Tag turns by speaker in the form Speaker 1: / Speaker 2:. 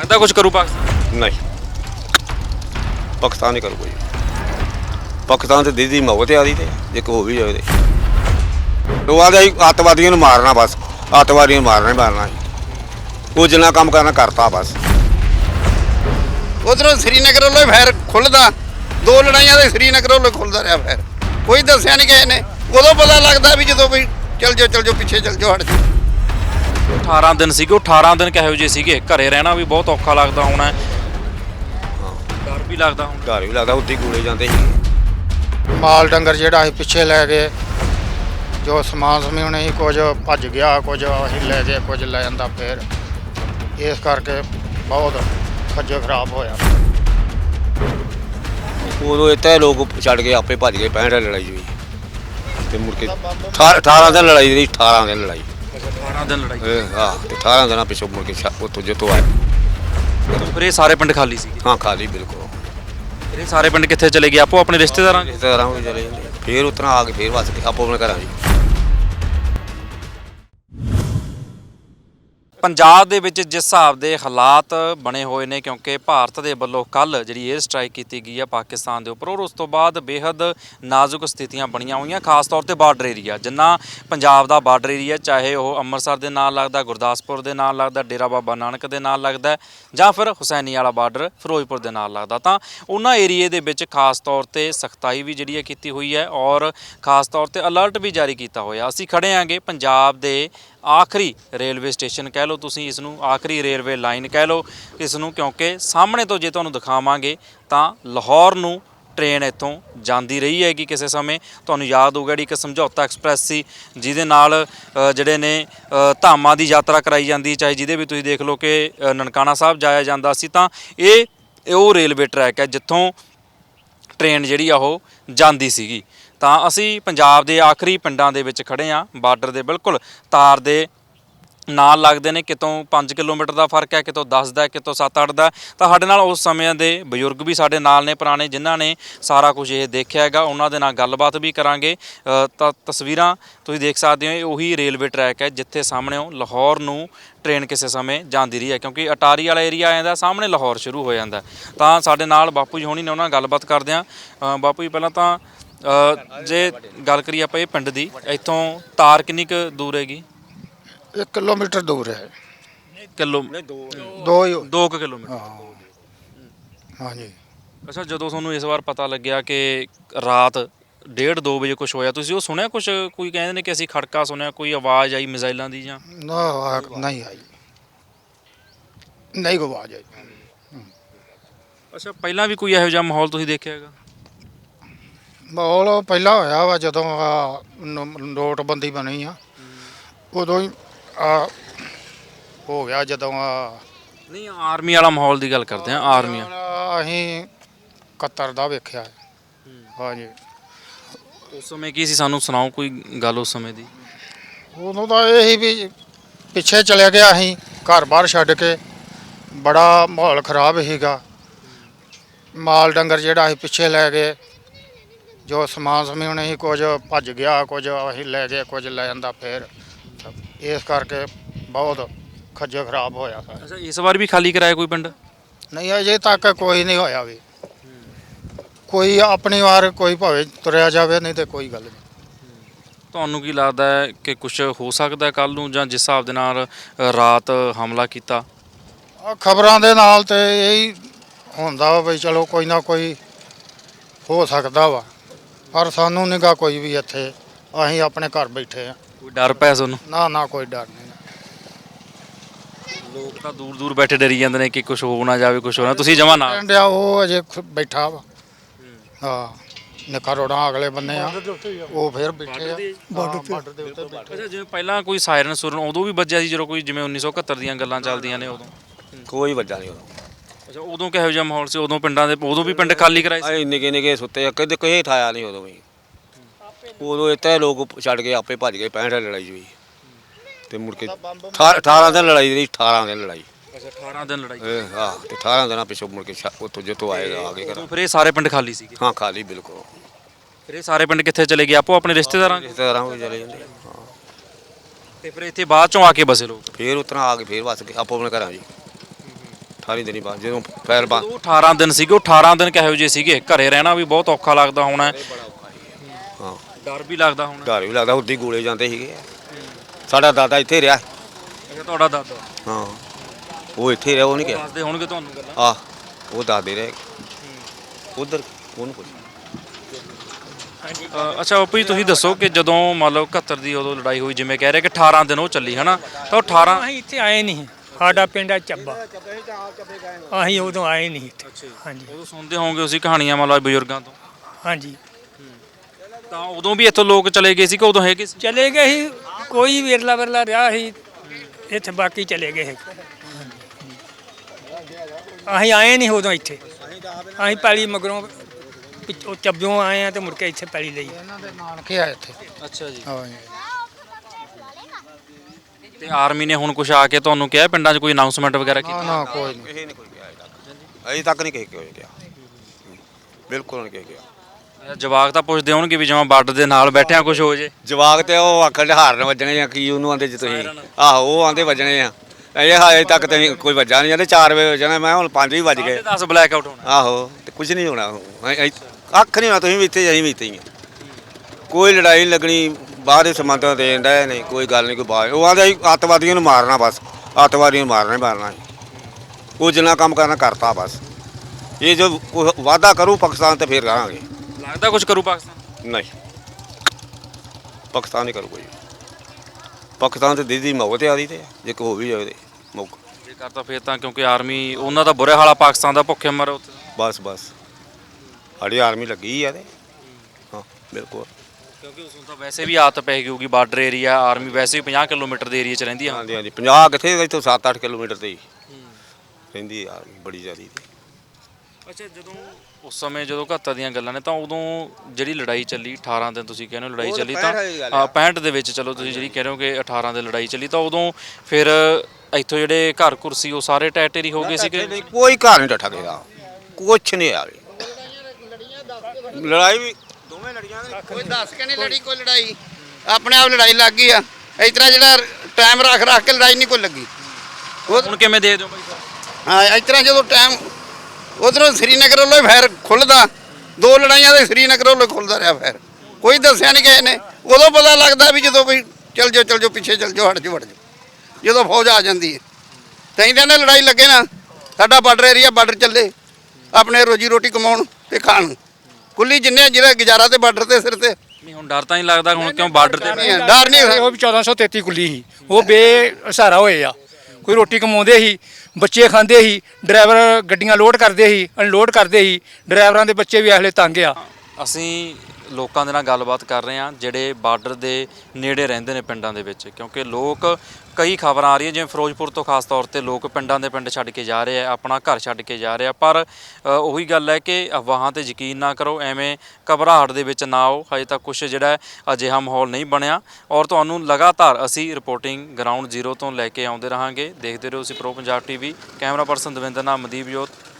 Speaker 1: ਲੱਗਦਾ ਕੁਝ ਕਰੂ ਪਾਕਿਸਤਾਨ?
Speaker 2: नहीं पाकिस्तान नहीं करो कोई पाकिस्तान से दीदी मौत आ रही थे जे हो भी जाए तो आदे अतवादियों मारना बस अतवादियों मारना ही मारना वो जिन्ना काम करना करता बस
Speaker 3: उधरों श्रीनगर वालों फैर खुलदा 2 लड़ाइयां दे श्रीनगर वालों खुलदा रहा फैर कोई दस्या नहीं किसी ने उदों पता लगता भी जो भी चल जाओ पिछे चल जाओ हट जाओ
Speaker 1: 18 दिन ਸੀਗੇ 18 ਦਿਨ ਕਿਹੋ ਜਿਹੇ ਸੀਗੇ ਘਰੇ ਰਹਿਣਾ ਵੀ ਬਹੁਤ ਔਖਾ ਲੱਗਦਾ ਹੋਣਾ ਡਰ ਵੀ ਲੱਗਦਾ ਹੁਣ
Speaker 2: घर भी लगता उदी गोले जाते ही
Speaker 4: ਮਾਲ ਡੰਗਰ ਜਿਹੜਾ ਅਸੀਂ ਪਿੱਛੇ ਲੈ ਗਏ ਜੋ ਸਮਾਨ ਸਮਿਆਉਣੇ ਸੀ ਕੁਝ ਭੱਜ ਗਿਆ ਕੁਝ ਅਸੀਂ ਲੈ ਗਏ ਕੁਝ ਲੈ ਜਾਂਦਾ ਫਿਰ ਇਸ ਕਰਕੇ ਬਹੁਤ ਖੱਜਲ ਖਰਾਬ ਹੋਇਆ
Speaker 2: ਉਦੋਂ ਇੱਥੇ ਲੋਕ ਛੱਡ ਕੇ ਆਪੇ ਭੱਜ ਗਏ 65 ਲੜਾਈ ਹੋਈ ਤੇ ਮੁੜ ਕੇ 18 ਦਿਨ ਲੜਾਈ ਰਹੀ 18 ਦਿਨ ਲੜਾਈ
Speaker 1: 18 ਦਿਨ ਲੜਾਈ
Speaker 2: ਹਾਂ ਤੇ 18 ਦਿਨਾਂ ਪਿੱਛੋਂ ਮੁੜ ਕੇ ਉੱਥੋਂ ਜਿੱਤੋਂ ਆਏ
Speaker 1: ਫਿਰ ਇਹ ਸਾਰੇ ਪਿੰਡ ਖਾਲੀ ਸੀਗੇ
Speaker 2: ਹਾਂ ਖਾਲੀ ਬਿਲਕੁਲ
Speaker 1: ਫਿਰ ਇਹ ਸਾਰੇ ਪਿੰਡ ਕਿੱਥੇ ਚਲੇ ਗਏ ਆਪੋ ਆਪਣੇ ਰਿਸ਼ਤੇਦਾਰਾਂ
Speaker 2: ਰਿਸ਼ਤੇਦਾਰਾਂ ਕੋਲ ਚਲੇ ਜਾਂਦੇ ਫਿਰ ਉਤਨਾ ਆ ਕੇ ਫਿਰ ਵਸ ਕੇ ਆਪੋ ਆਪਣੇ ਘਰਾਂ ਜੀ
Speaker 1: ਪੰਜਾਬ ਦੇ ਵਿੱਚ ਜਿਸ ਹਿਸਾਬ ਦੇ ਹਾਲਾਤ ਬਣੇ ਹੋਏ ਨੇ ਕਿਉਂਕਿ ਭਾਰਤ ਦੇ ਵੱਲੋਂ ਕੱਲ ਜਿਹੜੀ 에ਅਰ ਸਟ੍ਰਾਈਕ ਕੀਤੀ ਗਈ ਹੈ ਪਾਕਿਸਤਾਨ ਦੇ ਉੱਪਰ ਔਰ ਉਸ ਤੋਂ ਬਾਅਦ ਬੇਹੱਦ ਨਾਜ਼ੁਕ ਸਥਿਤੀਆਂ ਬਣੀਆਂ ਹੋਈਆਂ ਖਾਸ ਤੌਰ ਤੇ ਬਾਰਡਰ ਏਰੀਆ ਜਿੰਨਾ ਪੰਜਾਬ ਦਾ ਬਾਰਡਰ ਏਰੀਆ ਚਾਹੇ ਉਹ ਅੰਮ੍ਰਿਤਸਰ ਦੇ ਨਾਲ ਲੱਗਦਾ ਗੁਰਦਾਸਪੁਰ ਦੇ ਨਾਲ ਲੱਗਦਾ ਡੇਰਾ ਬਾਬਾ ਨਾਨਕ ਦੇ ਨਾਲ ਲੱਗਦਾ ਜਾਂ ਫਿਰ ਹੁਸੈਨੀ ਵਾਲਾ ਬਾਰਡਰ ਫਿਰੋਜ਼ਪੁਰ ਦੇ ਨਾਲ ਲੱਗਦਾ ਤਾਂ ਉਹਨਾਂ ਏਰੀਏ ਦੇ ਵਿੱਚ ਖਾਸ ਤੌਰ ਤੇ ਸਖਤਾਈ ਵੀ ਜਿਹੜੀ ਹੈ ਕੀਤੀ ਹੋਈ ਹੈ ਔਰ ਖਾਸ ਤੌਰ ਤੇ ਅਲਰਟ ਵੀ ਜਾਰੀ ਕੀਤਾ ਹੋਇਆ ਅਸੀਂ ਖੜੇ ਆਂਗੇ ਪੰਜਾਬ ਦੇ ਆਖਰੀ ਰੇਲਵੇ ਸਟੇਸ਼ਨ ਕਹਿ ਲਓ ਤੁਸੀਂ ਇਸ ਨੂੰ ਆਖਰੀ ਰੇਲਵੇ ਲਾਈਨ ਕਹਿ ਲਓ ਇਸ ਨੂੰ ਕਿਉਂਕਿ ਸਾਹਮਣੇ ਤੋਂ ਜੇ ਤੁਹਾਨੂੰ ਦਿਖਾਵਾਂਗੇ ਤਾਂ ਲਾਹੌਰ ਨੂੰ ਟ੍ਰੇਨ ਇੱਥੋਂ ਜਾਂਦੀ ਰਹੀ ਹੈਗੀ ਕਿਸੇ ਸਮੇਂ ਤੁਹਾਨੂੰ ਯਾਦ ਹੋਊਗਾ ਜਿਹੜੀ ਇੱਕ ਸਮਝੌਤਾ ਐਕਸਪ੍ਰੈਸ ਸੀ ਜਿਹਦੇ ਨਾਲ ਜਿਹੜੇ ਨੇ ਧਾਮਾਂ ਦੀ ਯਾਤਰਾ ਕਰਾਈ ਜਾਂਦੀ ਚਾਹੇ ਜਿਹਦੇ ਵੀ ਤੁਸੀਂ ਦੇਖ ਲਓ ਕਿ ਨਨਕਾਣਾ ਸਾਹਿਬ ਜਾਇਆ ਜਾਂਦਾ ਸੀ ਤਾਂ ਇਹ ਉਹ ਰੇਲਵੇ ਟਰੈਕ ਹੈ ਜਿੱਥੋਂ ਟ੍ਰੇਨ ਜਿਹੜੀ ਆ ਉਹ ਜਾਂਦੀ ਸੀਗੀ ਤਾਂ ਅਸੀਂ ਪੰਜਾਬ ਦੇ ਆਖਰੀ ਪਿੰਡਾਂ ਦੇ ਵਿੱਚ ਖੜੇ ਹਾਂ ਬਾਰਡਰ ਦੇ ਬਿਲਕੁਲ ਤਾਰ ਦੇ ਨਾਲ ਲੱਗਦੇ ਨੇ ਕਿਤੋਂ 5 ਕਿਲੋਮੀਟਰ ਦਾ ਫਰਕ ਹੈ ਕਿਤੋਂ 10 ਦਾ ਕਿਤੋਂ 7-8 ਦਾ ਤਾਂ ਸਾਡੇ ਨਾਲ ਉਸ ਸਮਿਆਂ ਦੇ ਬਜ਼ੁਰਗ ਵੀ ਸਾਡੇ ਨਾਲ ਨੇ ਪੁਰਾਣੇ ਜਿਨ੍ਹਾਂ ਨੇ ਸਾਰਾ ਕੁਝ ਇਹ ਦੇਖਿਆ ਹੈਗਾ ਉਹਨਾਂ ਦੇ ਨਾਲ ਗੱਲਬਾਤ ਵੀ ਕਰਾਂਗੇ ਤਾਂ ਤਸਵੀਰਾਂ ਤੁਸੀਂ ਦੇਖ ਸਕਦੇ ਹੋ ਇਹ ਉਹੀ ਰੇਲਵੇ ਟਰੈਕ ਹੈ ਜਿੱਥੇ ਸਾਹਮਣੇੋਂ ਲਾਹੌਰ ਨੂੰ ਟ੍ਰੇਨ ਕਿਸੇ ਸਮੇਂ ਜਾਂਦੀ ਰਹੀ ਹੈ ਕਿਉਂਕਿ ਅਟਾਰੀ ਵਾਲਾ ਏਰੀਆ ਆ ਜਾਂਦਾ ਸਾਹਮਣੇ ਲਾਹੌਰ ਸ਼ੁਰੂ ਹੋ ਜਾਂਦਾ ਤਾਂ ਸਾਡੇ ਨਾਲ ਬਾਪੂ ਜੀ ਹੋਣੀ ਨੇ ਉਹਨਾਂ ਨਾਲ ਗੱਲਬਾਤ ਕਰਦੇ ਹਾਂ ਬਾਪੂ ਜੀ ਪਹਿਲਾਂ ਤਾਂ ਜੇ ਗੱਲ ਕਰੀਏ ਆਪਾਂ ਇਹ ਪਿੰਡ ਦੀ ਇੱਥੋਂ ਤਾਰ ਕਿੰਨੀ ਕੁ ਦੂਰ ਹੈਗੀ
Speaker 4: 1 ਕਿਲੋਮੀਟਰ ਦੂਰ ਹੈ
Speaker 1: ਕਿਲੋ
Speaker 4: 2
Speaker 1: ਕਿਲੋਮੀਟਰ
Speaker 4: ਹਾਂਜੀ
Speaker 1: ਅੱਛਾ ਜਦੋਂ ਤੁਹਾਨੂੰ ਇਸ ਵਾਰ ਪਤਾ ਲੱਗਿਆ ਕਿ ਰਾਤ 1:30-2 ਵਜੇ ਕੁਝ ਹੋਇਆ ਤੁਸੀਂ ਉਹ ਸੁਣਿਆ ਕੁਝ ਕੋਈ ਕਹਿੰਦੇ ਨੇ ਕਿ ਅਸੀਂ ਖੜਕਾ ਸੁਣਿਆ ਕੋਈ ਆਵਾਜ਼ ਆਈ ਮਿਜ਼ਾਈਲਾਂ ਦੀ ਜਾਂ
Speaker 4: ਨਾ ਨਹੀਂ ਆਈ ਨਹੀਂ ਕੋਈ ਆਵਾਜ਼ ਆਈ
Speaker 1: ਅੱਛਾ ਪਹਿਲਾਂ ਵੀ ਕੋਈ ਇਹੋ ਜਿਹਾ ਮਾਹੌਲ ਤੁਸੀਂ ਦੇਖਿਆ ਹੈਗਾ
Speaker 4: ਮਾਹੌਲ ਪਹਿਲਾਂ ਹੋਇਆ ਵਾ ਜਦੋਂ ਨੋਟਬੰਦੀ ਬਣੀ ਆ ਉਦੋਂ ਹੀ ਹੋ ਗਿਆ ਜਦੋਂ
Speaker 1: ਨਹੀਂ ਆਰਮੀ ਵਾਲਾ ਮਾਹੌਲ ਦੀ ਗੱਲ ਕਰਦੇ ਆ ਆਰਮੀ
Speaker 4: ਅਸੀਂ 71 ਦਾ ਵੇਖਿਆ ਹਾਂਜੀ
Speaker 1: ਉਸ ਸਮੇਂ ਕੀ ਸੀ ਸਾਨੂੰ ਸੁਣਾਓ ਕੋਈ ਗੱਲ ਉਸ ਸਮੇਂ ਦੀ
Speaker 4: ਉਦੋਂ ਤਾਂ ਇਹ ਸੀ ਵੀ ਪਿੱਛੇ ਚਲੇ ਗਿਆ ਅਸੀਂ ਘਰ ਬਾਹਰ ਛੱਡ ਕੇ ਬੜਾ ਮਾਹੌਲ ਖਰਾਬ ਸੀਗਾ ਮਾਲ ਡੰਗਰ ਜਿਹੜਾ ਅਸੀਂ ਪਿੱਛੇ ਲੈ ਗਏ ਜੋ ਸਮਾਨ ਸਮਿਆਉਣੇ ਸੀ ਕੁਝ ਭੱਜ ਗਿਆ ਕੁਝ ਅਸੀਂ ਲੈ ਗਏ ਕੁਝ ਲੈ ਜਾਂਦਾ ਫਿਰ ਇਸ ਕਰਕੇ ਬਹੁਤ ਖੱਜਲ ਖਰਾਬ ਹੋਇਆ ਸਾਰਾ
Speaker 1: ਅੱਛਾ ਇਸ ਵਾਰ ਵੀ ਖਾਲੀ ਕਰਾਇਆ ਕੋਈ ਪਿੰਡ
Speaker 4: ਨਹੀਂ ਅਜੇ ਤੱਕ ਕੋਈ ਨਹੀਂ ਹੋਇਆ ਵੀ ਕੋਈ ਆਪਣੀ ਵਾਰ ਕੋਈ ਭਾਵੇਂ ਤੁਰਿਆ ਜਾਵੇ ਨਹੀਂ ਤੇ ਕੋਈ ਗੱਲ ਨਹੀਂ
Speaker 1: ਤੁਹਾਨੂੰ ਕੀ ਲੱਗਦਾ ਹੈ ਕਿ ਕੁਝ ਹੋ ਸਕਦਾ ਕੱਲ ਨੂੰ ਜਾਂ ਜਿਸ ਹਿਸਾਬ ਦੇ ਨਾਲ ਰਾਤ ਹਮਲਾ ਕੀਤਾ
Speaker 4: ਖਬਰਾਂ ਦੇ ਨਾਲ ਤੇ ਇਹੀ ਹੁੰਦਾ ਵਾ ਵੀ ਚਲੋ ਕੋਈ ਨਾ ਕੋਈ ਹੋ ਸਕਦਾ ਵਾ ਪਰ ਸਾਨੂੰ ਨਿਗਾ ਕੋਈ ਵੀ ਇੱਥੇ ਅਸੀਂ ਆਪਣੇ ਘਰ ਬੈਠੇ ਆ
Speaker 1: ਕੋਈ ਡਰ ਪਿਆ ਤੁਹਾਨੂੰ
Speaker 4: ਨਾ ਕੋਈ ਡਰ ਨਹੀਂ
Speaker 1: ਲੋਕ ਤਾਂ ਦੂਰ ਦੂਰ ਬੈਠੇ ਡਰੀ ਜਾਂਦੇ ਨੇ ਕਿ ਕੁਝ ਹੋ ਨਾ ਜਾਵੇ ਕੁਝ ਹੋ ਨਾ ਤੁਸੀਂ ਜਮਾ ਨਾ
Speaker 4: ਪਿੰਡ ਆ ਉਹ ਅਜੇ ਬੈਠਾ ਵਾ ਹਾਂ ਨਿੱਕਾ ਰੋੜਾ ਅਗਲੇ ਬੰਨੇ ਆ ਉਹ ਫਿਰ ਬੈਠੇ ਆ ਬਾਰਡਰ ਦੇ ਉੱਤੇ ਬੈਠੇ
Speaker 1: ਅੱਛਾ ਜਿਵੇਂ ਪਹਿਲਾਂ ਕੋਈ ਸਾਇਰਨ ਸੁਰਨ ਉਦੋਂ ਵੀ ਵੱਜਿਆ ਸੀ ਜਦੋਂ ਕੋਈ ਜਿਵੇਂ 1971 ਦੀਆਂ ਗੱਲਾਂ ਚੱਲਦੀਆਂ ਨੇ ਉਦੋਂ
Speaker 2: ਕੋਈ ਵੱਡਾ ਨਹੀਂ ਉਦੋਂ
Speaker 1: ਅੱਛਾ ਉਦੋਂ ਕਿਹੋ ਜਿਹਾ ਮਾਹੌਲ ਸੀ ਉਦੋਂ ਪਿੰਡਾਂ ਦੇ ਉਦੋਂ ਵੀ ਪਿੰਡ ਖਾਲੀ ਕਰਾਏ ਸੀ
Speaker 2: ਨਿੱਕੇ ਨਿੱਕੇ ਸੁੱਤੇ ਕਦੇ ਕੋਈ ਠਾਇਆ ਨਹੀਂ ਉਦੋਂ ਵੀ ਉਦੋਂ ਇੱਥੇ ਲੋਕ ਛੱਡ ਕੇ ਆਪੇ ਭੱਜ ਗਏ 65 ਲੜਾਈ ਹੋਈ ਤੇ ਮੁੜ ਕੇ 18 ਦਿਨ ਲੜਾਈ ਰਹੀ 18 ਦਿਨ ਲੜਾਈ
Speaker 1: ਅੱਛਾ 18 ਦਿਨ ਲੜਾਈ
Speaker 2: ਹਾਂ ਤੇ 18 ਦਿਨਾਂ ਪਿੱਛੋਂ ਮੁੜ ਕੇ ਉੱਥੋਂ ਜਿੱਤੋਂ ਆਏ ਆ ਕੇ
Speaker 1: ਫਿਰ ਇਹ ਸਾਰੇ ਪਿੰਡ ਖਾਲੀ ਸੀਗੇ
Speaker 2: ਹਾਂ ਖਾਲੀ ਬਿਲਕੁਲ
Speaker 1: ਫਿਰ ਇਹ ਸਾਰੇ ਪਿੰਡ ਕਿੱਥੇ ਚਲੇ ਗਏ ਆਪੋ ਆਪਣੇ ਰਿਸ਼ਤੇਦਾਰਾਂ
Speaker 2: ਰਿਸ਼ਤੇਦਾਰਾਂ ਕੋਲ ਚਲੇ ਜਾਂਦੇ ਹਾਂ
Speaker 1: ਤੇ ਫਿਰ ਇੱਥੇ ਬਾਅਦ ਚੋਂ ਆ ਕੇ ਬਸੇ ਲੋਕ
Speaker 2: ਫਿਰ ਉਤਨਾ ਆ ਕੇ ਫਿਰ ਵਸ ਕੇ ਆਪੋ ਆਪਣੇ ਘਰਾਂ ਜੀ 18 ਦਿਨੀ ਬਾਅਦ ਜਦੋਂ ਫੈਰ ਬਾ
Speaker 1: ਉਹ 18 ਦਿਨ ਸੀਗੇ, ਉਹ 18 ਦਿਨ ਕਿਹੋ ਜਿਹੇ ਸੀਗੇ? ਘਰੇ ਰਹਿਣਾ ਵੀ ਬਹੁਤ ਔਖਾ ਲੱਗਦਾ ਹੋਣਾ,
Speaker 2: ਹਾਂ
Speaker 1: ਡਰ ਵੀ ਲੱਗਦਾ ਹੋਣਾ।
Speaker 2: ਘਰ ਵੀ ਲੱਗਦਾ, ਉੱਦੀ ਗੋਲੇ ਜਾਂਦੇ ਸੀਗੇ। ਸਾਡਾ ਦਾਦਾ ਇੱਥੇ ਰਿਹਾ।
Speaker 1: ਅੱਛਾ, ਤੁਹਾਡਾ ਦਾਦਾ
Speaker 2: ਹਾਂ ਉਹ ਇੱਥੇ ਰਿਹਾ, ਉਹ ਨਹੀਂ ਗਿਆ।
Speaker 1: ਦੱਸਦੇ ਹੋਣਗੇ ਤੁਹਾਨੂੰ ਗੱਲਾਂ।
Speaker 2: ਆਹ ਉਹ ਦੱਸਦੇ ਰਹੇ ਉਧਰ ਉਹਨੂੰ ਪੁੱਛ।
Speaker 1: ਅੱਛਾ ਬਾਪੂ ਜੀ, ਤੁਸੀਂ ਦੱਸੋ ਕਿ ਜਦੋਂ ਮੰਨ ਲਓ 71 ਦੀ ਉਦੋਂ ਲੜਾਈ ਹੋਈ, ਜਿਵੇਂ ਕਹਿ ਰਹੇ ਕਿ 18 ਦਿਨ ਉਹ ਚੱਲੀ ਹੈ ਨਾ, ਤਾਂ ਉਹ 18
Speaker 5: ਅਸੀਂ ਇੱਥੇ ਆਏ ਨਹੀਂ, ਸਾਡਾ ਪਿੰਡ ਆ ਚੱਬਾ, ਅਸੀਂ ਉਦੋਂ ਆਏ ਨਹੀਂ ਇੱਥੇ। ਹਾਂਜੀ
Speaker 1: ਉਦੋਂ ਸੁਣਦੇ ਹੋਵੋਗੇ ਤੁਸੀਂ ਕਹਾਣੀਆਂ ਮੰਨ ਲਓ ਬਜ਼ੁਰਗਾਂ ਤੋਂ,
Speaker 5: ਹਾਂਜੀ
Speaker 1: ਤਾਂ ਉਦੋਂ ਵੀ ਇੱਥੋਂ ਲੋਕ ਚਲੇ ਗਏ ਸੀ ਕਿ ਉਦੋਂ ਹੈਗੇ ਸੀ?
Speaker 5: ਚਲੇ ਗਏ ਸੀ, ਕੋਈ ਵਿਰਲਾ ਵਿਰਲਾ ਰਿਹਾ ਸੀ ਇੱਥੇ, ਬਾਕੀ ਚਲੇ ਗਏ ਸੀ। ਅਸੀਂ ਆਏ ਨਹੀਂ ਉਦੋਂ ਇੱਥੇ, ਅਸੀਂ ਪੈਲੀ ਮਗਰੋਂ ਉਹ ਚੱਬਿਓਂ ਆਏ ਆ ਤੇ ਮੁੜ ਕੇ ਇੱਥੇ ਪੈਲੀ ਲਈ।
Speaker 4: ਇਹਨਾਂ ਦੇ ਨਾਨਕੇ ਆ ਇੱਥੇ।
Speaker 1: ਅੱਛਾ ਜੀ।
Speaker 4: ਹਾਂ
Speaker 1: ਤੇ ਆਰਮੀ ਨੇ ਹੁਣ ਕੁਛ ਆ ਕੇ ਤੁਹਾਨੂੰ ਕਿਹਾ ਪਿੰਡਾਂ 'ਚ ਕੋਈ ਅਨਾਉਂਸਮੈਂਟ ਵਗੈਰਾ
Speaker 4: ਨਾ
Speaker 1: ਕੀਤੀ?
Speaker 4: ਨਾ ਕੋਈ ਨਹੀਂ।
Speaker 2: ਕਿਸੇ ਨੇ ਕੋਈ ਕਿਹਾ ਅਜੇ ਤੱਕ ਨਹੀਂ ਕਿਸੇ ਗਿਆ, ਬਿਲਕੁਲ ਨਹੀਂ ਗਿਆ।
Speaker 1: ਜਵਾਕ ਤਾਂ ਪੁੱਛਦੇ ਹੋਣਗੇ ਵੀ ਜਿਵੇਂ ਬਾਰਡਰ ਦੇ ਨਾਲ ਬੈਠਿਆਂ ਕੁਝ ਹੋ ਜੇ।
Speaker 2: ਜਵਾਕ ਤੇ ਉਹ ਆਖਣ ਹਾਰਨ ਵੱਜਣੇ ਆ, ਕੀ ਉਹਨੂੰ ਆਂਦੇ ਜੇ ਤੁਸੀਂ? ਆਹੋ ਉਹ ਆਂਦੇ ਵੱਜਣੇ ਆ। ਇਹ ਹਜੇ ਤੱਕ ਤੇ ਕੋਈ ਵੱਜਾ ਨਹੀਂ ਜਾਂਦੇ। 4 ਵਜੇ ਵੱਜਣਾ, ਮੈਂ ਹੁਣ 5 ਵੀ ਵੱਜ ਗਏ।
Speaker 1: 10 ਬਲੈਕ ਆਊਟ ਹੋਣਾ।
Speaker 2: ਆਹੋ ਤੇ ਕੁਝ ਨਹੀਂ ਹੋਣਾ, ਅੱਖ ਨਹੀਂ ਹੋਣਾ। ਤੁਸੀਂ ਵੀ ਇੱਥੇ, ਅਸੀਂ ਵੀ ਇੱਥੇ ਹੀ ਆ। ਕੋਈ ਲੜਾਈ ਨਹੀਂ ਲੱਗਣੀ, ਬਾਹਰ ਦੇ ਸਮਾਂਤਾਂ ਦੇ ਦਿੰਦਾ ਨਹੀਂ, ਕੋਈ ਗੱਲ ਨਹੀਂ, ਕੋਈ ਬਾਹਰ। ਉਹ ਆਂਦੇ ਅੱਤਵਾਦੀਆਂ ਨੂੰ ਮਾਰਨਾ, ਬਸ ਅੱਤਵਾਦੀਆਂ ਨੂੰ ਮਾਰਨਾ ਹੀ ਮਾਰਨਾ। ਉਹ ਜਿੰਨਾ ਕੰਮ ਕਰਨਾ ਕਰਤਾ ਬਸ। ਇਹ ਜੋ ਵਾਅਦਾ ਕਰੂ ਪਾਕਿਸਤਾਨ ਤੇ ਫੇਰ ਕਰਾਂਗੇ।
Speaker 1: ਲੱਗਦਾ ਕੁਝ ਕਰੂ ਪਾਕਿਸਤਾਨ?
Speaker 2: ਨਹੀਂ, ਪਾਕਿਸਤਾਨ ਨਹੀਂ ਕਰੂ ਕੋਈ। ਪਾਕਿਸਤਾਨ ਤੇ ਦੀਦੀ ਮੌਤ ਆ ਦੀ ਤੇ ਜੇ ਕੋ ਹੋ ਵੀ ਜਾਵੇ ਤੇ ਮੌਕਾ
Speaker 1: ਜੇ ਕਰਤਾ ਫੇਰ ਤਾਂ, ਕਿਉਂਕਿ ਆਰਮੀ ਉਹਨਾਂ ਦਾ ਬੁਰੇ ਹਾਲਾ ਪਾਕਿਸਤਾਨ ਦਾ, ਭੁੱਖੇ ਮਰ ਉੱਥੇ।
Speaker 2: ਬਸ ਸਾਡੀ ਆਰਮੀ ਲੱਗੀ ਆ ਤੇ ਹਾਂ ਬਿਲਕੁਲ।
Speaker 1: ਕਿਉਂਕਿ ਉਸ ਨੂੰ ਤਾਂ ਵੈਸੇ ਵੀ ਆਦਤ ਪੈ ਗਈ ਹੋਊਗੀ, ਬਾਰਡਰ ਏਰੀਆ, ਆਰਮੀ ਵੈਸੇ ਵੀ 50 ਕਿਲੋਮੀਟਰ ਦੇ ਏਰੀਆ 'ਚ ਰਹਿੰਦੀ ਆ।
Speaker 2: ਹਾਂਜੀ 50 ਕਿੱਥੇ, ਇੱਥੋਂ 7-8 ਕਿਲੋਮੀਟਰ ਤੇ ਹੀ ਰਹਿੰਦੀ ਆ ਆਰਮੀ, ਬੜੀ ਜ਼ਿਆਦੀ।
Speaker 1: ਅੱਛਾ, ਜਦੋਂ ਉਸ ਸਮੇਂ ਜਦੋਂ 71 ਦੀਆਂ ਗੱਲਾਂ ਨੇ, ਤਾਂ ਉਦੋਂ ਜਿਹੜੀ ਲੜਾਈ ਚੱਲੀ 18 ਦਿਨ, ਤੁਸੀਂ ਕਹਿੰਦੇ ਹੋ ਲੜਾਈ ਚੱਲੀ, ਤਾਂ 65 ਦੇ ਵਿੱਚ, ਚਲੋ ਤੁਸੀਂ ਜਿਹੜੀ ਕਹਿ ਰਹੇ ਹੋ ਕਿ 18 ਦੇ ਲੜਾਈ ਚੱਲੀ, ਤਾਂ ਉਦੋਂ ਫਿਰ ਇੱਥੋਂ ਜਿਹੜੇ ਘਰ ਕੁਰਸੀ ਉਹ ਸਾਰੇ ਟੈ ਢੇਰੀ ਹੋ ਗਏ ਸੀ ਕਿ?
Speaker 2: ਕੋਈ ਘਰ ਨਹੀਂ ਡੱਠਾ ਗਿਆ, ਕੁਛ ਨਹੀਂ ਆਵੇ। ਲੜਾਈ ਵੀ ਦੋਵੇਂ ਲੜੀਆਂ ਨੇ,
Speaker 3: ਕੋਈ ਦੱਸ ਕੇ ਨਹੀਂ ਲੜੀ ਕੋਈ ਲੜਾਈ, ਆਪਣੇ ਆਪ ਲੜਾਈ ਲੱਗ ਗਈ ਆ। ਇਸ ਤਰ੍ਹਾਂ ਜਿਹੜਾ ਟਾਈਮ ਰੱਖ ਕੇ ਲੜਾਈ ਨਹੀਂ ਕੋਈ ਲੱਗੀ।
Speaker 1: ਹੁਣ ਕਿਵੇਂ ਦੇ ਦਿਓ ਬਾਈ ਸਾਹਿਬ?
Speaker 3: ਹਾਂ, ਇਸ ਤਰ੍ਹਾਂ ਜਦੋਂ ਟਾਈਮ ਉਧਰੋਂ ਸ੍ਰੀਨਗਰ ਵੱਲੋਂ ਹੀ ਫੈਰ ਖੁੱਲਦਾ, 2 ਲੜਾਈਆਂ ਦੇ ਸ੍ਰੀਨਗਰ ਵੱਲੋਂ ਖੁੱਲਦਾ ਰਿਹਾ ਫੈਰ, ਕੋਈ ਦੱਸਿਆ ਨਹੀਂ ਕਿਸੇ ਨੇ। ਉਦੋਂ ਪਤਾ ਲੱਗਦਾ ਵੀ ਜਦੋਂ ਵੀ ਚੱਲ ਜਾਓ ਪਿੱਛੇ ਚੱਲ ਜਾਓ, ਹਟ ਜਾਓ ਜਦੋਂ ਫੌਜ ਆ ਜਾਂਦੀ ਹੈ। ਕਹਿੰਦੇ ਨੇ ਲੜਾਈ ਲੱਗੇ ਨਾ, ਸਾਡਾ ਬਾਰਡਰ ਏਰੀਆ, ਬਾਰਡਰ ਚੱਲੇ, ਆਪਣੇ ਰੋਜੀ ਰੋਟੀ ਕਮਾਉਣ ਤੇ ਖਾਣ। ਕੁੱਲੀ ਜਿੰਨੇ ਜਿਹੜਾ ਗੁਜ਼ਾਰਾ ਤੇ ਬਾਰਡਰ ਤੇ ਸਿਰ ਤੇ।
Speaker 1: ਨਹੀਂ ਹੁਣ ਡਰ ਤਾਂ ਨਹੀਂ ਲੱਗਦਾ ਹੁਣ, ਕਿਉਂ ਬਾਰਡਰ ਤੇ?
Speaker 3: ਡਰ ਨਹੀਂ।
Speaker 5: ਉਹ ਵੀ 1433 ਕੁੱਲੀ ਸੀ, ਉਹ ਬੇਸਹਾਰਾ ਹੋਏ ਆ। ਕੋਈ ਰੋਟੀ ਕਮਾਉਂਦੇ ਸੀ, ਬੱਚੇ ਖਾਂਦੇ ਸੀ, ਡਰਾਈਵਰ ਗੱਡੀਆਂ ਲੋਡ ਕਰਦੇ ਸੀ, ਅਨਲੋਡ ਕਰਦੇ ਸੀ, ਡਰਾਈਵਰਾਂ ਦੇ ਬੱਚੇ ਵੀ ਇਹਲੇ ਤੰਗ ਆ।
Speaker 1: ਅਸੀਂ ਲੋਕਾਂ ਦੇ ਨਾਲ ਗੱਲਬਾਤ ਕਰ ਰਹੇ ਹਾਂ ਜਿਹੜੇ ਬਾਰਡਰ ਦੇ ਨੇੜੇ ਰਹਿੰਦੇ ਨੇ ਪਿੰਡਾਂ ਦੇ ਵਿੱਚ, ਕਿਉਂਕਿ ਲੋਕ ਕਈ ਖਬਰਾਂ ਆ ਰਹੀਆਂ ਜਿਵੇਂ ਫਿਰੋਜ਼ਪੁਰ ਤੋਂ ਖਾਸ ਤੌਰ ਤੇ ਲੋਕ ਪਿੰਡਾਂ ਦੇ ਪਿੰਡ ਛੱਡ ਕੇ ਜਾ ਰਹੇ ਆ, ਆਪਣਾ ਘਰ ਛੱਡ ਕੇ ਜਾ ਰਹੇ ਆ। ਪਰ ਉਹੀ ਗੱਲ ਹੈ ਕਿ ਅਫਵਾਹਾਂ ਤੇ ਯਕੀਨ ਨਾ ਕਰੋ, ਐਵੇਂ ਘਬਰਾਹਟ ਦੇ ਵਿੱਚ ਨਾ ਆਓ। ਹਜੇ ਤੱਕ ਕੁਛ ਜਿਹੜਾ ਅਜਿਹਾ ਮਾਹੌਲ ਨਹੀਂ ਬਣਿਆ, ਔਰ ਤੁਹਾਨੂੰ ਲਗਾਤਾਰ ਅਸੀਂ ਰਿਪੋਰਟਿੰਗ ਗਰਾਊਂਡ ਜ਼ੀਰੋ ਤੋਂ ਲੈ ਕੇ ਆਉਂਦੇ ਰਹਾਂਗੇ। ਦੇਖਦੇ ਰਹੋ ਅਸੀਂ pro Punjab TV. Camera person Davinder ਨਾਲ ਮਨਦੀਪ ਜੋਤ।